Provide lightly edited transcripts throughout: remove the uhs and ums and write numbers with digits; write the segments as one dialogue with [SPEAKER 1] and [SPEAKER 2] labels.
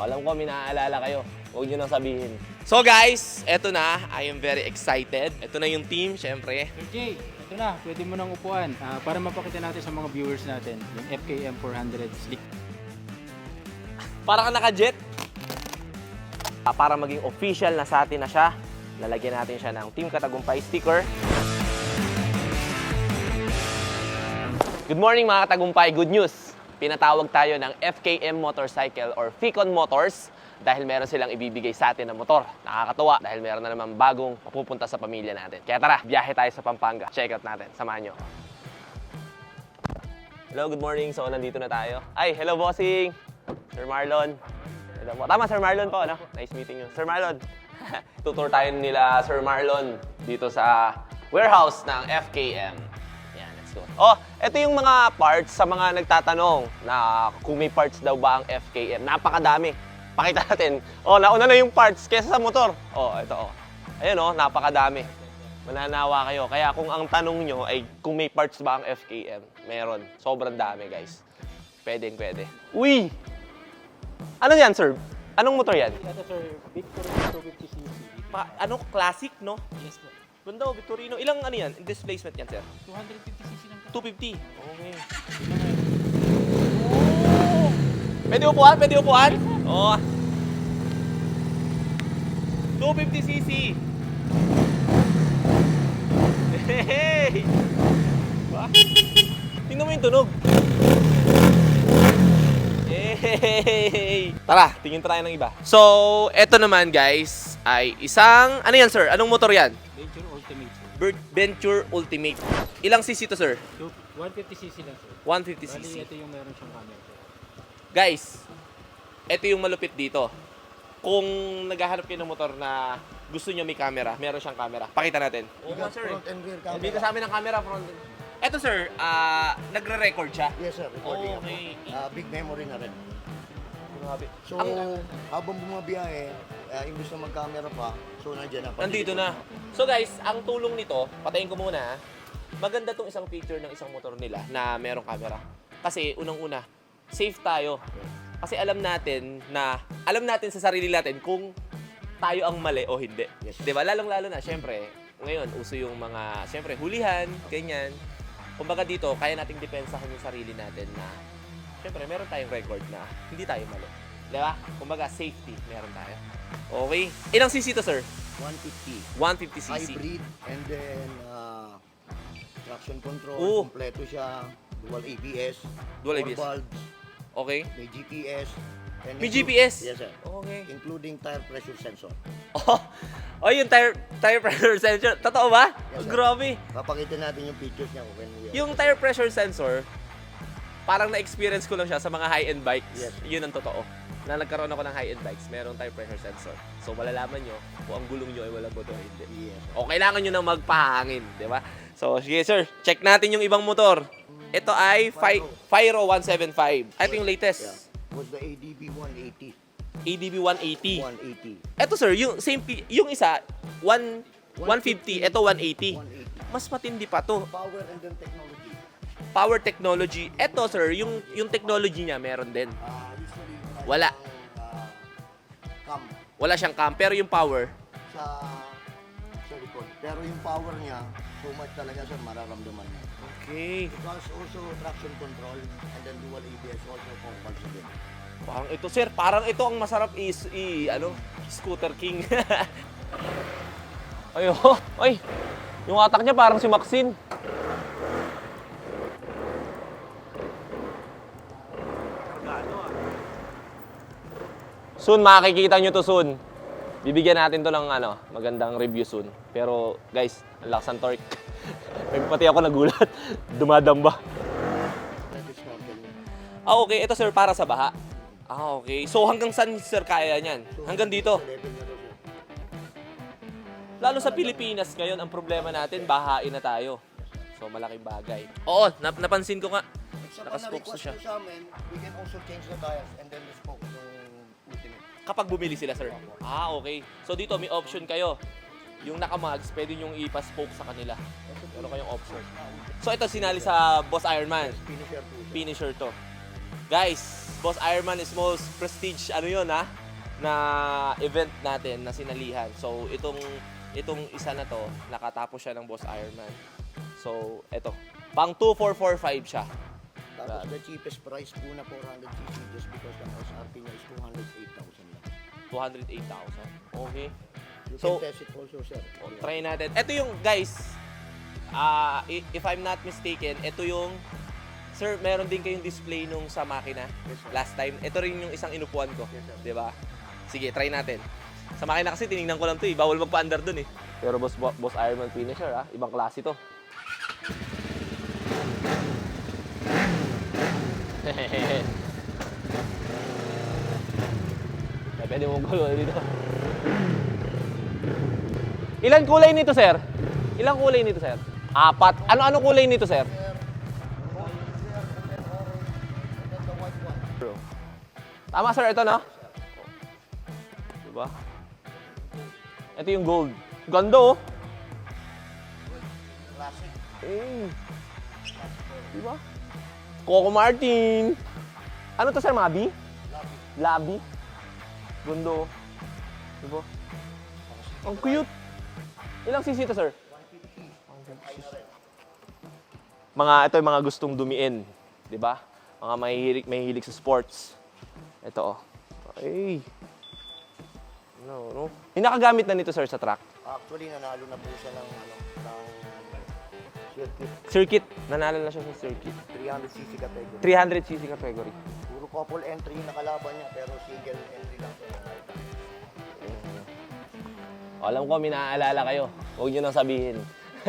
[SPEAKER 1] alam ko, may naaalala kayo. Huwag nyo nang sabihin. So guys, eto na. I am very excited. Eto na yung team, syempre.
[SPEAKER 2] Sir Jay, ito na. Pwede mo nang upuan para mapakita natin sa mga viewers natin yung FKM 400 Slick.
[SPEAKER 1] Para ka naka-jet. Para maging official na sa atin na siya, lalagyan natin siya ng Team Katagumpay sticker. Good morning mga Katagumpay, good news! Pinatawag tayo ng FKM Motorcycle or Ficon Motors dahil meron silang ibibigay sa atin na motor. Nakakatuwa dahil meron na naman bagong mapupunta sa pamilya natin. Kaya tara, biyahe tayo sa Pampanga. Check out natin, samahan nyo. Hello, good morning. So, nandito na tayo. Ay, hello bossing! Sir Marlon. Hello po. Tama, Sir Marlon po, no? Nice meeting you. Sir Marlon, tutur tayo nila Sir Marlon dito sa warehouse ng FKM. Oh, ito yung mga parts sa mga nagtatanong na kung may parts daw ba ang FKM. Napakadami. Pakita natin. Oh, nauna na yung parts kesa sa motor. Oh, ito oh. Ayun oh, napakadami. Mananawa kayo. Kaya kung ang tanong nyo ay kung may parts ba ang FKM, meron. Sobrang dami, guys. Pwede. Uy! Ano yan, sir? Anong motor yan?
[SPEAKER 2] Ito sir, Victory 250cc.
[SPEAKER 1] Ano? Classic, no?
[SPEAKER 2] Yes po.
[SPEAKER 1] Ganda, Victorino. Ilang ano yan? Displacement yan, sir?
[SPEAKER 2] 250cc lang po.
[SPEAKER 1] 250. Okay. Oh! Pwede upuan? Pwede upuan? Oo. 250cc. Hey! Ba? Tingnan mo yung tunog. Hey! Tara, tingin tayo ng iba. So, eto naman guys, ay isang... Ano yan, sir? Anong motor yan?
[SPEAKER 2] Venture Ultimate sir.
[SPEAKER 1] Venture Ultimate. Ilang cc to, sir?
[SPEAKER 2] 150cc lang sir.
[SPEAKER 1] 150cc.
[SPEAKER 2] Bali, ito yung meron siyang camera sir.
[SPEAKER 1] Guys, ito yung malupit dito. Kung naghahanap kayo ng motor na gusto nyo may camera, meron siyang camera. Pakita natin. Oo, sir.
[SPEAKER 3] Front and rear camera.
[SPEAKER 1] Dito sa amin ang camera. Front. Ito, sir, nagre-record siya.
[SPEAKER 3] Yes sir, recording ako.
[SPEAKER 1] Okay.
[SPEAKER 3] Big memory na rin.
[SPEAKER 1] Grabe.
[SPEAKER 3] So, habang bumabiyahe, imbis na mag-camera pa, so nandiyan na.
[SPEAKER 1] Nandito na. So guys, ang tulong nito, patayin ko muna. Maganda tong isang feature ng isang motor nila na merong camera. Kasi unang-una, safe tayo. Kasi alam natin sa sarili natin kung tayo ang mali o hindi.
[SPEAKER 3] Yes.
[SPEAKER 1] 'Di ba? Lalong-lalo na, syempre, ngayon uso yung mga, syempre, hulihan, ganyan. Kumbaga dito, kaya nating depensahan yung sarili natin na syempre, meron tayong record na hindi tayo mali. 'Di ba? Kumbaga safety, meron tayo. Okay. Ilang cc to, sir?
[SPEAKER 3] 150.
[SPEAKER 1] 150cc.
[SPEAKER 3] Hybrid, and then traction control,
[SPEAKER 1] Oo.
[SPEAKER 3] kompleto siya, dual ABS,
[SPEAKER 1] Dual
[SPEAKER 3] 4
[SPEAKER 1] ABS.
[SPEAKER 3] valves,
[SPEAKER 1] Okay.
[SPEAKER 3] may GPS. and
[SPEAKER 1] May
[SPEAKER 3] include-
[SPEAKER 1] GPS?
[SPEAKER 3] Yes sir.
[SPEAKER 1] Okay.
[SPEAKER 3] Including tire pressure sensor.
[SPEAKER 1] Oh, yung tire pressure sensor. Totoo ba?
[SPEAKER 3] Yes, sir.
[SPEAKER 1] Grabe.
[SPEAKER 3] Papakita natin yung pictures niya when we are...
[SPEAKER 1] Yung tire pressure sensor, parang na-experience ko lang siya sa mga high-end bikes.
[SPEAKER 3] Yes.
[SPEAKER 1] Yun ang totoo. Na nagkaroon ako ng high-end bikes, merong tire pressure sensor. So, malalaman nyo kung ang gulong nyo ay walang motor o hindi.
[SPEAKER 3] Yes.
[SPEAKER 1] O kailangan nyo nang magpahangin, di ba? So, sige sir, check natin yung ibang motor. Ito ay Fyro 175. Ito yung latest.
[SPEAKER 3] Yeah. Was the ADB 180.
[SPEAKER 1] ADB 180.
[SPEAKER 3] 180.
[SPEAKER 1] Ito sir, yung same yung isa 150, ito 180.
[SPEAKER 3] 180.
[SPEAKER 1] Mas matindi pa to.
[SPEAKER 3] Power and then technology.
[SPEAKER 1] Power technology. Ito sir, yung technology niya meron din.
[SPEAKER 3] Usually,
[SPEAKER 1] Wala.
[SPEAKER 3] Cam
[SPEAKER 1] Wala siyang cam, pero yung power,
[SPEAKER 3] sa likod. Pero yung power niya, so much talaga sir, mararamdaman niya.
[SPEAKER 1] okay.
[SPEAKER 3] Because also traction control and then dual ABS also for valves again.
[SPEAKER 1] Parang ito sir, parang ito ang masarap Scooter King. Ayo, ay. Yung atak niya parang si Maxine. Soon, makikita nyo to soon. Bibigyan natin to ng magandang review soon. Pero guys, ang lakas ng torque. Pati ako nagulat. Dumadamba.
[SPEAKER 3] That is snorkel niya.
[SPEAKER 1] Okay. Ito sir, para sa baha. Okay. So hanggang saan sir kaya niyan? Hanggang dito.
[SPEAKER 3] Sa level niya daw sir.
[SPEAKER 1] Lalo sa Pilipinas ngayon, ang problema natin, bahain na tayo. So malaking bagay. Oo, napansin ko nga.
[SPEAKER 3] Sa
[SPEAKER 1] Naka-spokes
[SPEAKER 3] request
[SPEAKER 1] siya.
[SPEAKER 3] nyo sa amin, we can also change the tires and then the spoke to ultimate.
[SPEAKER 1] Kapag bumili sila, sir. Ah, okay. So dito may option kayo. Yung naka-mags, pwede nyong ipa-spoke sa kanila. Meron kayong option. So ito sinali sa Boss Ironman.
[SPEAKER 3] Finisher po.
[SPEAKER 1] Finisher to. Guys, Boss Ironman is most prestige, ano yun ha? Na event natin na sinalihan. So, itong isa na to, nakatapos siya ng Boss Ironman. So, ito. Pang 2445 siya.
[SPEAKER 3] Tapos the cheapest price po na 400cc just because ang SRP niya is 208,000 lang.
[SPEAKER 1] 208,000. Okay.
[SPEAKER 3] You
[SPEAKER 1] So,
[SPEAKER 3] can test it also, sir.
[SPEAKER 1] Try natin. Ito yung, guys, if I'm not mistaken, ito yung, sir, meron din kayong display nung sa makina
[SPEAKER 3] Yes, sir.
[SPEAKER 1] last time. Ito rin yung isang inupuan ko.
[SPEAKER 3] Yes, sir.
[SPEAKER 1] Di ba? Sige, try natin. Sa makina kasi, tinignan ko lang to eh. Bawal magpa-under dun eh. Pero boss Ironman finisher ha. Ibang klase to. Pwede mong gulo dito. Ilan kulay nito, sir? Ilang kulay nito, sir? 4. Ano kulay nito, sir? Tama, sir. Ito, no? Diba? Ito yung gold. Ganda, oh.
[SPEAKER 3] Classic.
[SPEAKER 1] Diba? Coco Martin. Ano to, sir? Mabi? Labi. Ganda, oh. Diba? Ang cute. Ilang cc to, sir? Ito yung mga gustong dumiin. Diba? Mga mahihilig sa sports. Ito, oh. Ay. No. Hinakagamit na nito, sir, sa track.
[SPEAKER 3] Actually, nanalo na po siya ng circuit.
[SPEAKER 1] Circuit. Nanalo na siya sa circuit.
[SPEAKER 3] 300cc category.
[SPEAKER 1] 300cc category.
[SPEAKER 3] Puro couple entry yung nakalaban niya, pero single entry lang siya.
[SPEAKER 1] Alam ko, may naaalala kayo. Huwag nyo nang sabihin.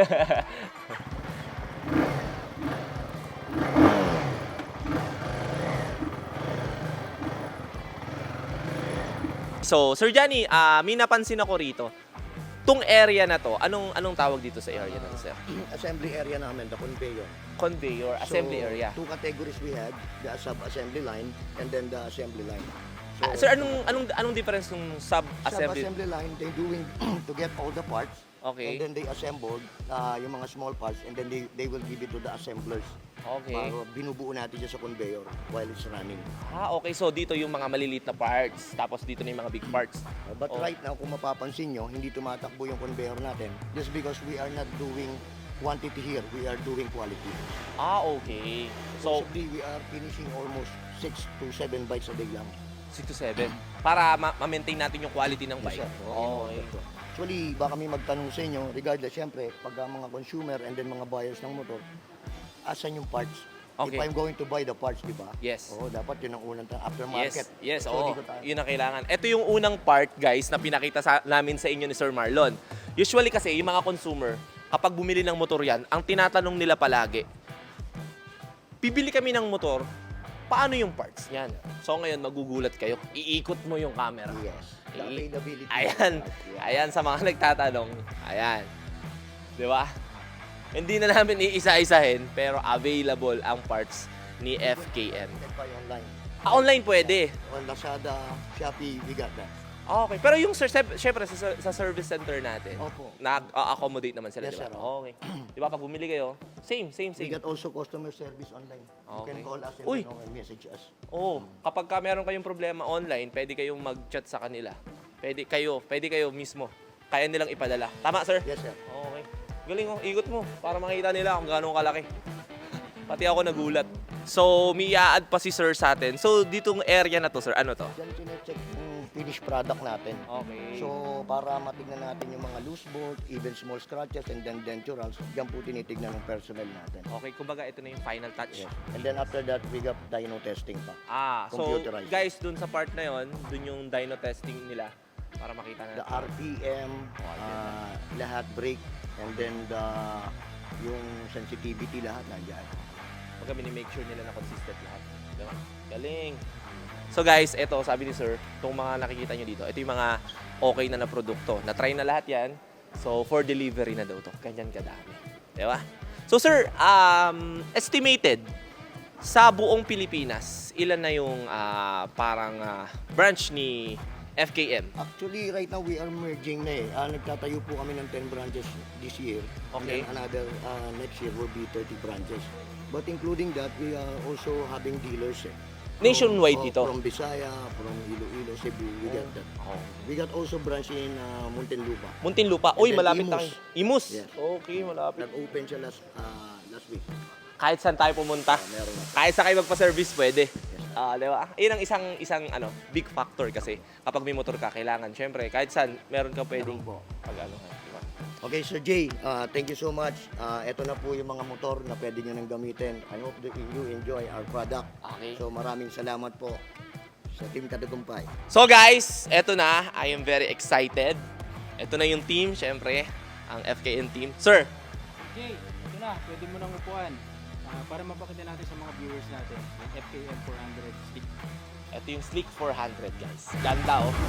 [SPEAKER 1] So, Sir Johnny, may napansin ako rito. Tong area na to, anong tawag dito sa area na to, sir?
[SPEAKER 3] Assembly area namin, the conveyor.
[SPEAKER 1] Conveyor, assembly
[SPEAKER 3] So,
[SPEAKER 1] area.
[SPEAKER 3] 2 categories we had, the sub-assembly line and then the assembly line.
[SPEAKER 1] Sir, anong difference ng sub-assembly?
[SPEAKER 3] Sub-assembly line, they doing to get all the parts.
[SPEAKER 1] Okay.
[SPEAKER 3] And then they assembled yung mga small parts and then they will give it to the assemblers.
[SPEAKER 1] Okay.
[SPEAKER 3] Para binubuo natin siya sa conveyor while it's running.
[SPEAKER 1] Okay. So, dito yung mga maliliit na parts. Tapos dito na yung mga big parts.
[SPEAKER 3] But right now, kung mapapansin nyo, hindi tumatakbo yung conveyor natin just because we are not doing quantity here, we are doing quality.
[SPEAKER 1] Okay. So,
[SPEAKER 3] Possibly, we are finishing almost 6 to 7 bites a day lang.
[SPEAKER 1] 6 to 7. Para ma-maintain natin yung quality ng bike.
[SPEAKER 3] Yes, sir.
[SPEAKER 1] Okay.
[SPEAKER 3] Actually, baka may magtanong sa inyo, regardless, syempre, pag mga consumer and then mga buyers ng motor, asan yung parts?
[SPEAKER 1] Okay.
[SPEAKER 3] If I'm going to buy the parts, di ba?
[SPEAKER 1] Yes.
[SPEAKER 3] Oo, dapat yun ang unang aftermarket.
[SPEAKER 1] Yes,
[SPEAKER 3] So,
[SPEAKER 1] oo.
[SPEAKER 3] dito tayo.
[SPEAKER 1] Yun ang kailangan. Ito yung unang part, guys, na pinakita namin sa inyo ni Sir Marlon. Usually kasi, yung mga consumer, kapag bumili ng motor yan, ang tinatanong nila palagi, bibili kami ng motor, paano yung parts niyan? So ngayon, magugulat kayo. Iikot mo yung camera.
[SPEAKER 3] Yes. The availability.
[SPEAKER 1] Ayan. Ayan sa mga nagtatanong. Ayan. Di ba? Hindi na namin iisa-isahin, pero available ang parts ni FKM.
[SPEAKER 3] You can buy online.
[SPEAKER 1] Online pwede.
[SPEAKER 3] On Lazada, Shopee, we got that.
[SPEAKER 1] Okay. Pero yung syempre sa service center natin,
[SPEAKER 3] Opo.
[SPEAKER 1] na-accommodate naman sila,
[SPEAKER 3] Yes,
[SPEAKER 1] di ba?
[SPEAKER 3] sir.
[SPEAKER 1] Okay. Di ba pag bumili kayo, same.
[SPEAKER 3] We got also customer service online. You
[SPEAKER 1] Okay.
[SPEAKER 3] can call us and
[SPEAKER 1] Uy!
[SPEAKER 3] message us.
[SPEAKER 1] Oo. Kapag ka meron kayong problema online, pwede kayong mag-chat sa kanila. Pwede kayo mismo. Kaya nilang ipadala. Tama, sir?
[SPEAKER 3] Yes, sir.
[SPEAKER 1] Okay. Galing oh, ikot mo para makita nila kung gaano kalaki. Pati ako nagulat. So, may i-add pa si sir sa atin. So, ditong area na to, sir, ano to?
[SPEAKER 3] Diyan chinecheck yung finished product natin.
[SPEAKER 1] Okay.
[SPEAKER 3] So, para matignan natin yung mga loose bolt, even small scratches, and then denturals, diyan po tinitignan ng personnel natin.
[SPEAKER 1] Okay, kumbaga ito na yung final touch.
[SPEAKER 3] Yes. And then after that, we got dyno testing pa.
[SPEAKER 1] So
[SPEAKER 3] Computerized.
[SPEAKER 1] guys, dun sa part na yon, dun yung dyno testing nila para makita natin.
[SPEAKER 3] The RPM, lahat brake, and then yung sensitivity lahat nandiyan.
[SPEAKER 1] Pagka mini-make sure nila na consistent lahat. Diba? Galing! So guys, ito, sabi ni sir, itong mga nakikita nyo dito, ito yung mga okay na produkto. Na-try na lahat yan. So, for delivery na daw to. Ganyan kadami. Diba? So sir, estimated, sa buong Pilipinas, ilan na yung branch ni FKM?
[SPEAKER 3] Actually, right now, we are merging na eh. Nagtatayo po kami ng 10 branches this year.
[SPEAKER 1] Okay.
[SPEAKER 3] And then another next year will be 30 branches. But including that, we are also having dealers eh.
[SPEAKER 1] Nationwide ito.
[SPEAKER 3] From Bisaya, from Iloilo, Cebu, we got that. We got also branch in Muntinlupa.
[SPEAKER 1] Muntinlupa. Uy,
[SPEAKER 3] And then
[SPEAKER 1] malapit
[SPEAKER 3] Imus.
[SPEAKER 1] tayo. Imus.
[SPEAKER 3] Yes.
[SPEAKER 1] Okay, malapit.
[SPEAKER 3] Nag-open siya last week.
[SPEAKER 1] Kahit saan tayo pumunta.
[SPEAKER 3] Meron na.
[SPEAKER 1] Kahit saan kayo magpa-service, pwede. Di ba? Yun ang isang big factor kasi kapag may motor ka, kailangan, syempre, kahit saan, meron ka pwedeng
[SPEAKER 3] Meron po.
[SPEAKER 1] pag-ano. Diba?
[SPEAKER 3] Okay, Sir Jay, thank you so much. Ito na po yung mga motor na pwede nyo nang gamitin. I hope that you enjoy our product.
[SPEAKER 1] Okay.
[SPEAKER 3] So maraming salamat po sa Team Katagumpay.
[SPEAKER 1] So guys, eto na. I am very excited. Ito na yung team, syempre, ang FKN team. Sir,
[SPEAKER 2] Jay, ito na, pwede mo nang upuan. Para mapakita natin sa mga viewers natin, yung FKM 400 stick.
[SPEAKER 1] ito yung Sleek 400, guys. Ganda, oh.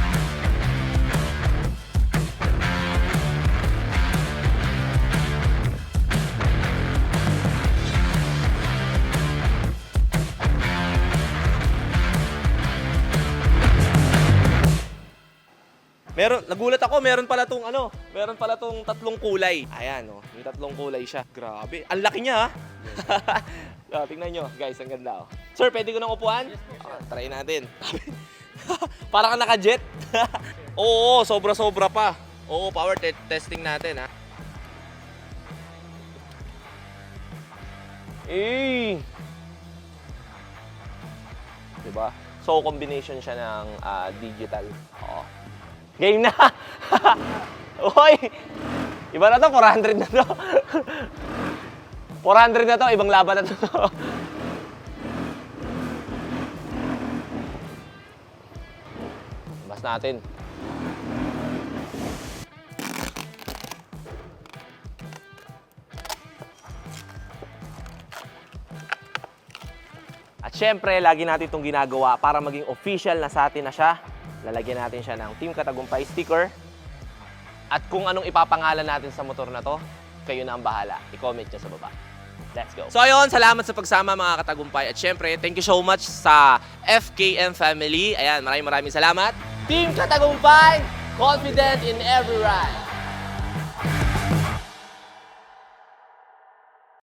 [SPEAKER 1] Nagulat ako, meron pala tong tatlong kulay. Ayan, oh, may tatlong kulay siya. Grabe, ang laki niya, ha? Tingnan nyo, guys, ang ganda, oh. Sir, pwede ko nang upuan? Try natin. Para ka naka-jet. Oo, sobra-sobra pa. Oo, power testing natin, ha? Diba? So, combination siya ng digital. Oo. Game na! Uy! Iba na to, 400 na to. 400 na to, ibang laban na to. Bas natin. At syempre, lagi natin itong ginagawa para maging official na sa atin na siya. Lalagyan natin siya ng Team Katagumpay sticker. At kung anong ipapangalan natin sa motor na to, kayo na ang bahala. I-comment nyo sa baba. Let's go. So ayun, salamat sa pagsama mga Katagumpay. At syempre, thank you so much sa FKM family. Ayan, maraming salamat. Team Katagumpay, confident in every ride.